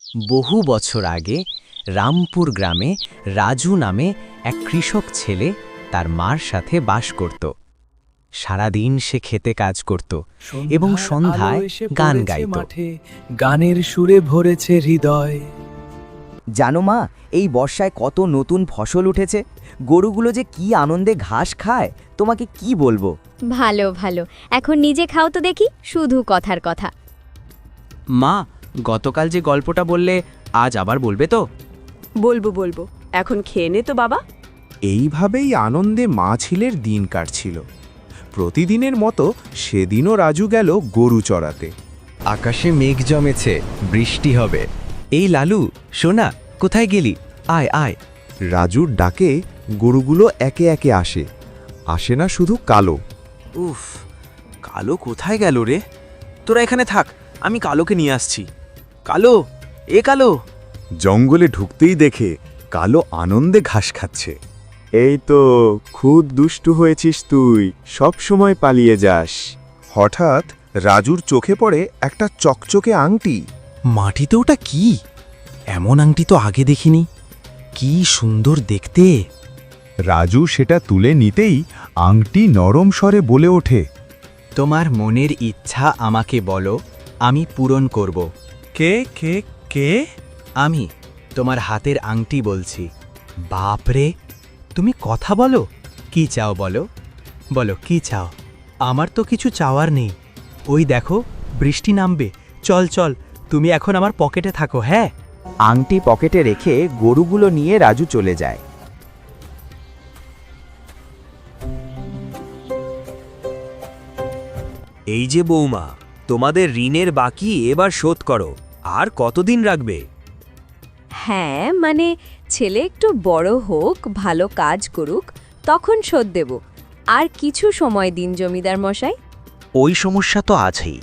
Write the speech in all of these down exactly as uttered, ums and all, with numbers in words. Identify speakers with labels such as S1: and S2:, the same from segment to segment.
S1: বহু বছর আগে রামপুর গ্রামে রাজু নামে এক কৃষক ছেলে তার মার সাথে বাস করত। সারাদিন সে খেতে কাজ করত এবং সন্ধ্যায় গান গাইত।
S2: গানের সুরে ভরেছে হৃদয়।
S3: জানো মা, এই বর্ষায় কত নতুন ফসল উঠেছে। গরুগুলো যে কি আনন্দে ঘাস খায়, তোমাকে কি বলবো।
S4: ভালো ভালো, এখন নিজে খাও তো দেখি, শুধু কথার কথা।
S5: মা, গতকাল যে গল্পটা বললে আজ আবার বলবে তো?
S6: বলবো বলবো, এখন খেয়ে নে তো বাবা।
S7: এইভাবেই আনন্দে মা ছেলের দিন কাটছিল। প্রতিদিনের মতো সেদিনও রাজু গেল গরু চড়াতে।
S8: আকাশে মেঘ জমেছে, বৃষ্টি হবে।
S5: এই লালু, শোনা, কোথায় গেলি? আয় আয়।
S7: রাজুর ডাকে গরুগুলো একে একে আসে। আসে না শুধু কালো।
S5: উফ, কালো কোথায় গেল রে? তোরা এখানে থাক, আমি কালোকে নিয়ে আসছি। কালো, এ কালো।
S7: জঙ্গলে ঢুকতেই দেখে কালো আনন্দে ঘাস খাচ্ছে। এই তো, খুব দুষ্টু হয়েছিস তুই, সব সময় পালিয়ে যাস। হঠাৎ রাজুর চোখে পড়ে একটা চকচকে আংটি।
S5: মাটিতে ওটা কি? এমন আংটি তো আগে দেখিনি। কি সুন্দর দেখতে।
S7: রাজু সেটা তুলে নিতেই আংটি নরম স্বরে বলে ওঠে,
S1: তোমার মনের ইচ্ছা আমাকে বলো, আমি পূরণ করব।
S5: কে কে কে?
S1: আমি তোমার হাতের আংটি বলছি। বাপরে, তুমি কথা বলো। কি চাও বলো, বলো কি চাও? আমার তো কিছু চাওয়ার নেই। ওই দেখো, বৃষ্টি নামবে। চল চল, তুমি এখন আমার পকেটে থাকো। হ্যাঁ।
S3: আংটি পকেটে রেখে গরুগুলো নিয়ে রাজু চলে যায়।
S9: এই যে বৌমা, তোমাদের ঋণের বাকি এবার শোধ করো। আর কতদিন রাখবে?
S6: হ্যাঁ, মানে ছেলে একটু বড় হোক, ভালো কাজ করুক, তখন শোধ দেব। আর কিছু সময় দিন জমিদার মশাই।
S5: ওই সমস্যা তো আছেই।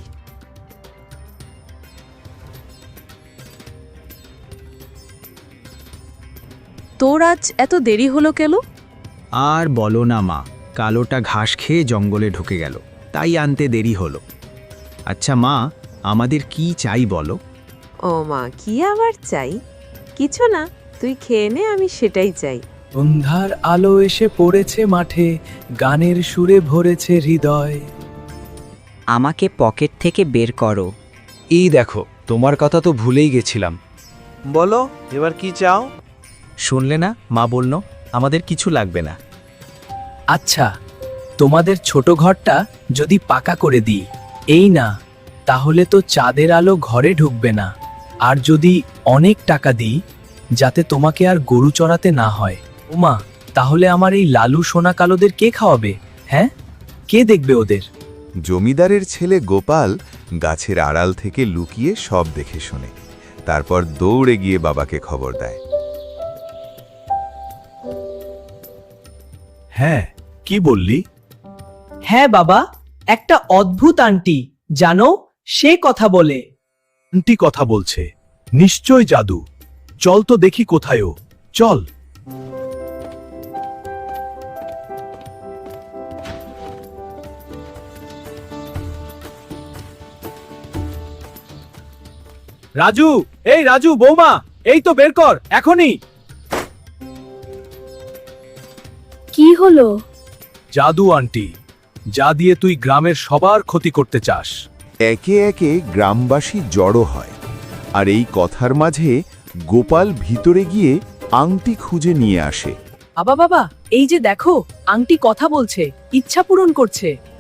S6: তোর আজ এত দেরি হলো কেন?
S5: আর বলো না মা, কালোটা ঘাস খেয়ে জঙ্গলে ঢুকে গেল, তাই আনতে দেরি হলো। আচ্ছা মা, আমাদের কি চাই বলো?
S6: ও মা, কি আবার চাই? কিছু না, তুই খেয়ে নে, আমি সেটাই চাই।
S2: সন্ধ্যার আলো এসে পড়েছে মাঠে, গানের সুরে ভরেছে হৃদয়।
S3: আমাকে পকেট থেকে বের করো।
S8: এই দেখো, তোমার কথা তো ভুলেই গেছিলাম।
S5: বলো, এবার কি চাও?
S1: শুনলে না, মা বলল আমাদের কিছু লাগবে না।
S2: আচ্ছা, তোমাদের ছোট ঘরটা যদি পাকা করে দিই, এই না, তাহলে তো চাঁদের আলো ঘরে ঢুকবে না। আর যদি অনেক টাকা দিই, যাতে তোমাকে আর গরু চড়াতে না হয়, ওমা, তাহলে আমার এই লালু সোনা কালোদের কে খাওয়াবে? হ্যাঁ, কে দেখবে ওদের?
S7: জমিদারের ছেলে গোপাল গাছের আড়াল থেকে লুকিয়ে সব দেখে শোনে। তারপর দৌড়ে গিয়ে বাবাকে খবর দেয়।
S2: হ্যাঁ, কি বললি? হ্যাঁ বাবা, একটা অদ্ভুত আন্টি, জানো, সে কথা বলে।
S7: আন্টি কথা বলছে? নিশ্চয় জাদু। চল তো দেখি কোথায় ও। চল।
S2: রাজু, এই রাজু, বৌমা, এই তো বের কর এখনই।
S4: কি হলো?
S2: জাদু আন্টি, যা দিয়ে তুই গ্রামের সবার ক্ষতি করতে চাস।
S7: একে একে গ্রামবাসী জড়ো হয়, আর এই কথার মাঝে গোপাল ভিতরে গিয়ে আংটি খুঁজে নিয়ে আসে।
S6: বাবা বাবা, এই যে দেখো, আংটি কথা বলছে, ইচ্ছা পূরণ করছে।